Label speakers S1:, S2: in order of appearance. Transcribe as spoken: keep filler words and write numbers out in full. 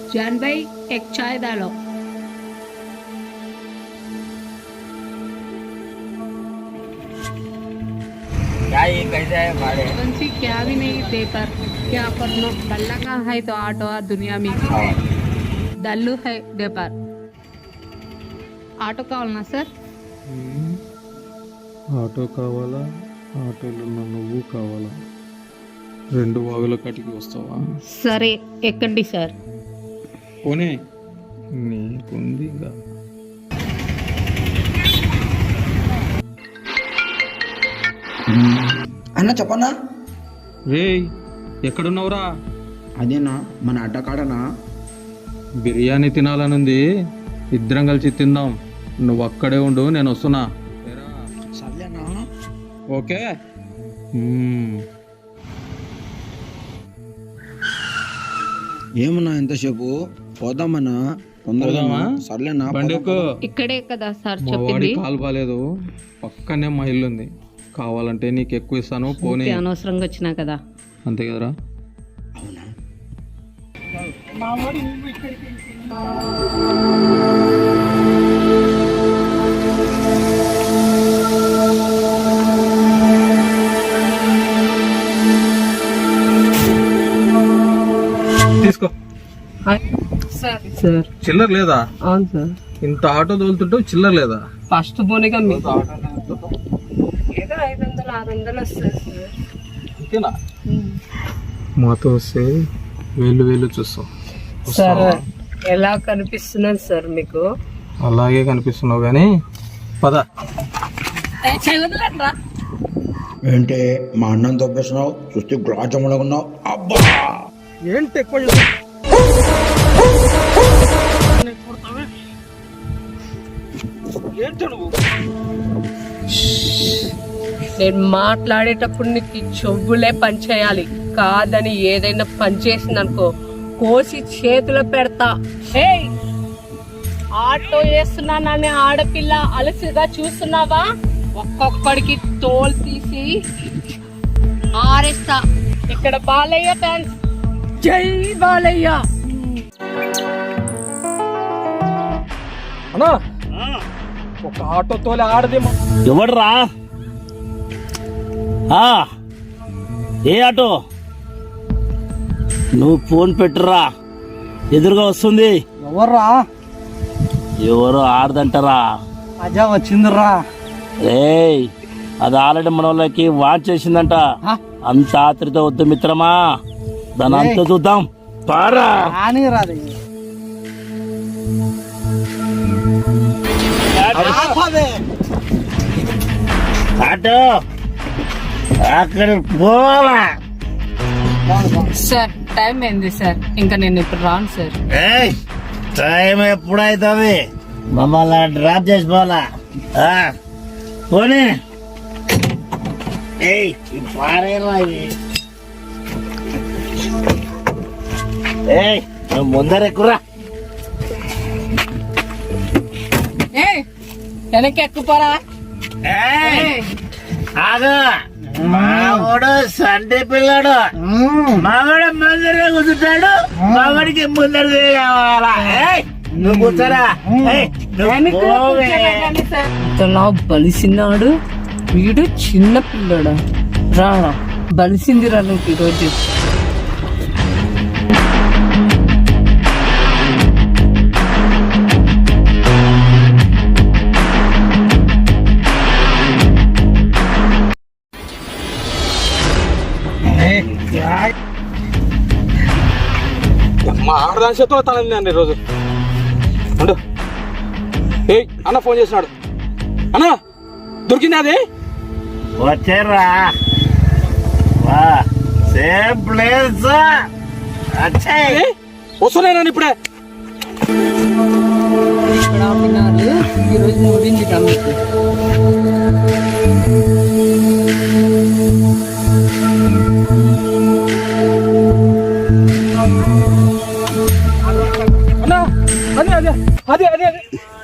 S1: जान भाई एक चाय डालो।
S2: क्या ये कैसे है भाड़े?
S1: बंसी क्या भी नहीं दे पर क्या करना, डल्ला का है तो आटो दुनिया में डल्लू है दे पर ఆటో కావాలనా సార్?
S3: ఆటో కావాలా? ఆటోలో ఉన్న నువ్వు కావాలా? రెండు వాగుల కాటికి వస్తావా?
S1: సరే ఎక్కండి సార్.
S3: పోనీ నీకుంది ఇంకా.
S4: అన్న చెప్పన్నా.
S3: రేయ్ ఎక్కడున్నావురా?
S4: అదేనా మన అడ్డకాడనా.
S3: బిర్యానీ తినాలనుంది, ఇద్దరం కలిసి తిందాం. నువ్వు అక్కడే ఉండు, నేను వస్తున్నా.
S4: సర్లేనా?
S3: ఓకే.
S4: ఏమన్నా ఎంతసేపు పోదామన్నా?
S3: పోదామా?
S4: సర్లేనా?
S3: బండికు
S1: ఇక్కడే కదా సార్
S3: మా వాడి
S1: చెప్పింది.
S3: కాలు బాలేదు, పక్కనే మా ఇల్లు ఉంది. కావాలంటే నీకు ఎక్కువ ఇస్తాను, పోనీ.
S1: అనవసరంగా వచ్చినా కదా.
S3: అంతే కదరా?
S4: అవునా?
S3: తీసుకో.
S1: సార్ సార్
S3: చిల్లర లేదా?
S1: అవును సార్.
S3: ఇంత ఆటో తోలుతుంటావు, చిల్లర లేదా?
S1: ఫస్ట్ పోనీగా మీకు ఏదో ఐదు వందలు ఆరు వందలు వస్తుంది సార్.
S3: అంతేనా? మాతో వస్తే వేలు వేలు చూస్తావు.
S1: సార్ ఎలా కనిపిస్తున్నాను సార్ మీకు?
S3: అలాగే కనిపిస్తున్నావు కానీ పద.
S4: ఏంటి మా అన్నం తప్పేస్తున్నావు? చూస్తే గ్లాజంలో ఉన్నావు. అబ్బా
S3: ఏంటి ఎక్కువ
S1: నేను మాట్లాడేటప్పుడు నీకు చెవులే పని చేయాలి, కాదని ఏదైనా పని చేసింది అనుకో కోసి చేతిలో పెడతా. ఏయ్ ఆటో వేస్తున్నానని ఆడపిల్ల అలసిగా చూస్తున్నావా? ఒక్కొక్కడికి తోలు తీసి ఆరేస్తా. ఇక్కడ బాలయ్య డాన్స్. జై బాలయ్య.
S3: అన్నా ఒక ఆటో తోలి ఆడది.
S2: ఎవడ్రా? ఏ ఆటో? నువ్వు ఫోన్ పెట్టురా, ఎదురుగా వస్తుంది.
S5: ఎవర్రా?
S2: ఎవరు ఆడదంటారా?
S5: అజా వచ్చిందిరా.
S2: రేయ్ అది ఆల్రెడీ మన వాళ్ళకి వాచ్ చేసిందంట. అంత ఆత్రితో వద్దు మిత్రమా, దాని అంత చూద్దాం. పారా
S5: కానీ రాదు.
S2: ఆటో అక్కడ పోవాలా?
S1: సార్ టైం ఏంది సార్? ఇంకా నేను ఇప్పుడు రాను సార్.
S2: ఏయ్ టైం ఎప్పుడైతుంది? మమ్మల్ని డ్రాప్ చేసి పోవాలా? పోనీ. ఏయ్ పారేలా ఇవి. ఏయ్ నువ్వు ముందర ఎక్కురా.
S1: ఏ వెనక్కి ఎక్కుపోరా.
S2: ఆగు. మావాడు సండే పిల్లాడు, మావాడు ముందరే కూర్చుంటాడు, మావాడికి ముందర కావాలా? నువ్వు కూర్చోరా.
S1: ఇంతలా బలిసినాడు వీడు, చిన్న పిల్లడా. రాడా బలిసింది రా నువ్వు ఈరోజు.
S3: మా ఆడదాని చేతిలో తనంది అండి ఈరోజు. అండు ఏయ్ అన్న ఫోన్ చేసినాడు. అన్నా దొరికింది అది.
S2: వచ్చారా? Same place.
S3: వస్తున్నాను ఇప్పుడే.
S1: ఇక్కడ ఆపినారు ఈరోజు మూడింది మీకు.
S3: అన్నా అదే అదే అదే అదే